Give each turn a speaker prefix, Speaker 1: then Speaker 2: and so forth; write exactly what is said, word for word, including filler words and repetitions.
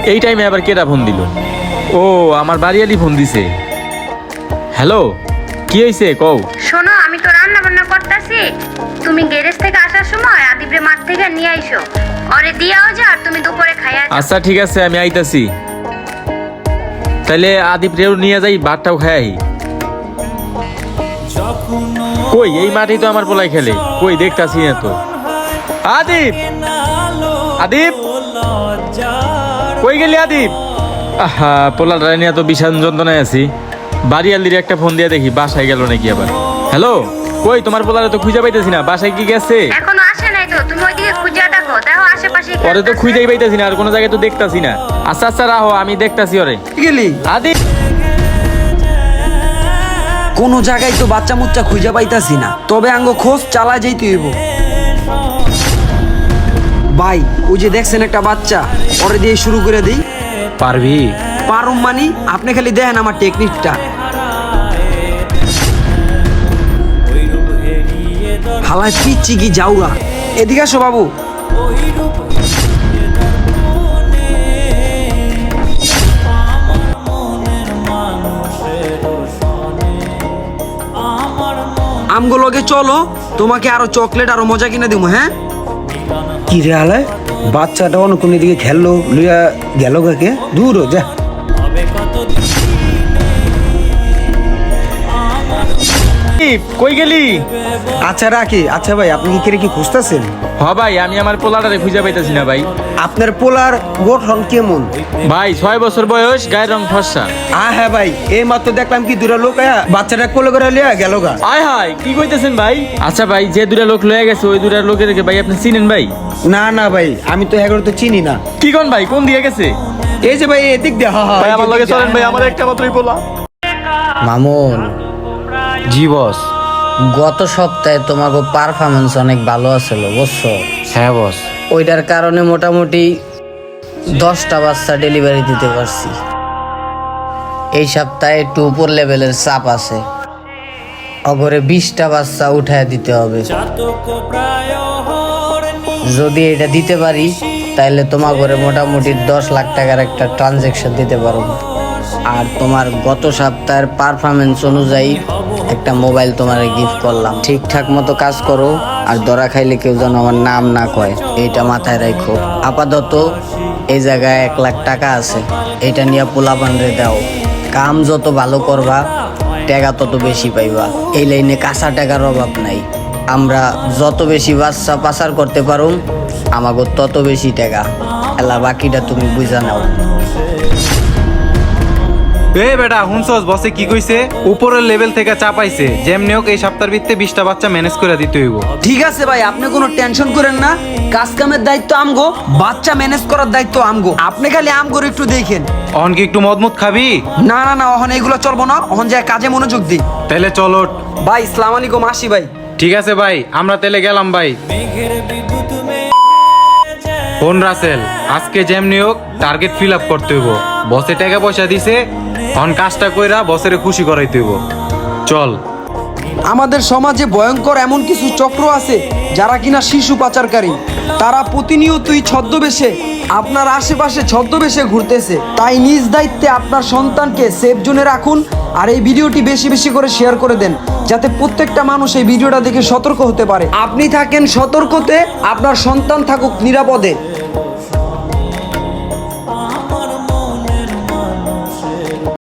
Speaker 1: এই টাইমে আবার কেডা ফোন দিল? ও আমার বাড়িয়ালি ফোন দিছে। হ্যালো, কি হয়েছে কও?
Speaker 2: শোনো, আমি তো রান্না বান্না করতেছি, তুমি গ্যারেজ থেকে আসার সময় আদিবরে মাঠ থেকে নিয়ে আইসো, ওরে দিয়াও যা আর তুমি দুপুরে খাইয়া যাও।
Speaker 1: আচ্ছা ঠিক আছে, আমি আইতাছি। তাইলে আদিপ রেও নিয়ে যাই, ভাতটাও খাই। কই এই মাঠেই তো আমার পোলাই খেলে, কই দেখতাছি না তো। আদিপ, আদিপ কই গেলি আদিপ? আহা, পোলার নিয়ে তো বিশাল যন্ত্রণায় আছি। বাড়িয়ালির একটা ফোন দিয়ে দেখি বাসায় গেল নাকি আবার। হ্যালো, কই তোমার পোলারে তো খুঁজে পাইতেছি না, বাসায় কি গেছে?
Speaker 2: এখনো আসে নাই তো, তুমি ওইদিকে খুঁজে দেখো, দেখো আশেপাশে কি
Speaker 1: ওরে তো
Speaker 2: আছে।
Speaker 1: খুঁজেই পাইতেছি না, আর কোনো জায়গায় তো দেখতাছি না। আচ্ছা আচ্ছা রাহো, আমি দেখতাছি ওরে।
Speaker 3: গেলি
Speaker 1: আদিপ,
Speaker 3: কোন জায়গায় তো বাচ্চা মুচ্চা খুঁজে পাইতাছি না, তবে আঙ্গ খোঁজ চালা যাইতে হইব। ভাই ওই যে দেখছেন একটা বাচ্চা, ওরে দিয়ে শুরু করে দিই।
Speaker 1: পারবি?
Speaker 3: পারুম মানি, আপনি খালি দেখেন আমার টেকনিকটা। হালায় পিচ্ছি কি যাওয়া, এদিকে আসো বাবু। আমগুলোকে চলো, তোমাকে আরো চকলেট আরো মজা কিনে দিব। হ্যাঁ
Speaker 4: কি রে আলায়, বাচ্চাটা অন্য কোন দিকে খেললো, লইয়া গেল কাকে দূর হ, যা।
Speaker 1: আদিপ, কই গেলি?
Speaker 4: আচ্ছা রাখি। আচ্ছা ভাই, আপনি কি কেরে কি খুঁজতেছেন?
Speaker 1: হ ভাই, আমি আমার পোলাটারে খুঁজে পাইতেছি না ভাই।
Speaker 4: আপনার পোলার গঠন কেমন?
Speaker 1: ভাই ছয় বছর বয়স, গায়ের রং ফর্সা।
Speaker 4: আ হ্যাঁ ভাই, এই মাত্র দেখলাম কি দুরা লোক আয়া বাচ্চাটা কোলে করে লিয়া গেল গা।
Speaker 1: আয় হায়, কি কইতেছেন ভাই? আচ্ছা ভাই, যে দুটা লোক লয়ে গেছে ওই দুটা লোকের ভাই আপনি চিনেন ভাই?
Speaker 4: না না ভাই, আমি তো এগারো তো চিনি না।
Speaker 1: কি কোন ভাই, কোন দিয়ে গেছে?
Speaker 4: এই যে ভাই এদিক দিয়ে, হ্যাঁ হ্যাঁ
Speaker 1: ভাই আমার লগে চলেন ভাই, আমার একটা মাত্রই পোলা।
Speaker 5: মামুন,
Speaker 1: জি বস।
Speaker 5: গত সপ্তাহে তোমাকে পারফরমেন্স অনেক ভালো আছিল বুঝছো?
Speaker 1: হ্যাঁ বস।
Speaker 5: ওইটার কারণে মোটামুটি দশটা বাচ্চা ডেলিভারি দিতে পারছি। এই সপ্তাহে একটু উপর লেভেলের চাপ আছে, অগরে বিশটা বাচ্চা উঠায় দিতে হবে। যদি এটা দিতে পারি তাহলে তোমার ঘরে মোটামুটি দশ লাখ টাকার একটা ট্রানজেকশন দিতে পারবো। আর তোমার গত সপ্তাহের পারফরমেন্স অনুযায়ী একটা মোবাইল তোমার গিফট করলাম। ঠিকঠাক মতো কাজ করো, আর ধরা খাইলে কেউ যেন আমার নাম না কয়, এইটা মাথায় রাখো। আপাতত এই জায়গায় এক লাখ টাকা আছে, এটা নিয়ে পোলাপান রে দাও। কাম যত ভালো করবা টাকা তত বেশি পাইবা। এই লাইনে কাঁচা টাকার অভাব নাই। আমরা যত বেশি বাচ্চা পাচার করতে পারুম আমাকে তত বেশি টাকা। এলা বাকিটা তুমি বুঝা নাও।
Speaker 6: এ বেটা হুনছস, বসে কি কইছে? উপরের লেভেল থেকে চাপাইছে, যেমনি হোক এই সপ্তাহের ভিত্তে বিশটা বাচ্চা ম্যানেজ করে দিতে হইব।
Speaker 3: ঠিক আছে ভাই, আপনি কোনো টেনশন করেন না, কাজ কামের দায়িত্ব আমগো, বাচ্চা ম্যানেজ করার দায়িত্ব আমগো। আপনি খালি আমগোর একটু দেখেন।
Speaker 6: অহন কি একটু মদমুদ খাবি?
Speaker 3: না না না, অহন এগুলো চলবো না, অহন যায় কাজে মনোযোগ দিই।
Speaker 6: তাহলে চলো।
Speaker 3: ভাই ইসলাম আলাইকুম, আসি ভাই।
Speaker 6: ঠিক আছে ভাই, আমরা তাহলে গেলাম ভাই। ফোন রাসেল, আজকে যেমনি হোক টার্গেট ফিল আপ করতে হইব। বসে টাকা পয়সা দিছে, অন কাজটা কইরা বসের খুশি করাইতে হইব। চল।
Speaker 3: আমাদের সমাজে ভয়ঙ্কর এমন কিছু চক্র আছে যারা কিনা শিশু পাচারকারী। তারা প্রতিনিয়তই ছদ্মবেশে আপনার আশেপাশে ছদ্মবেশে ঘুরতেছে। তাই নিজ দায়িত্বে আপনার সন্তানকে সেফ জোনে রাখুন, আর এই ভিডিওটি বেশি বেশি করে শেয়ার করে দেন, যাতে প্রত্যেকটা মানুষ এই ভিডিওটা দেখে সতর্ক হতে পারে। আপনি থাকেন সতর্কতে, আপনার সন্তান থাকুক নিরাপদে।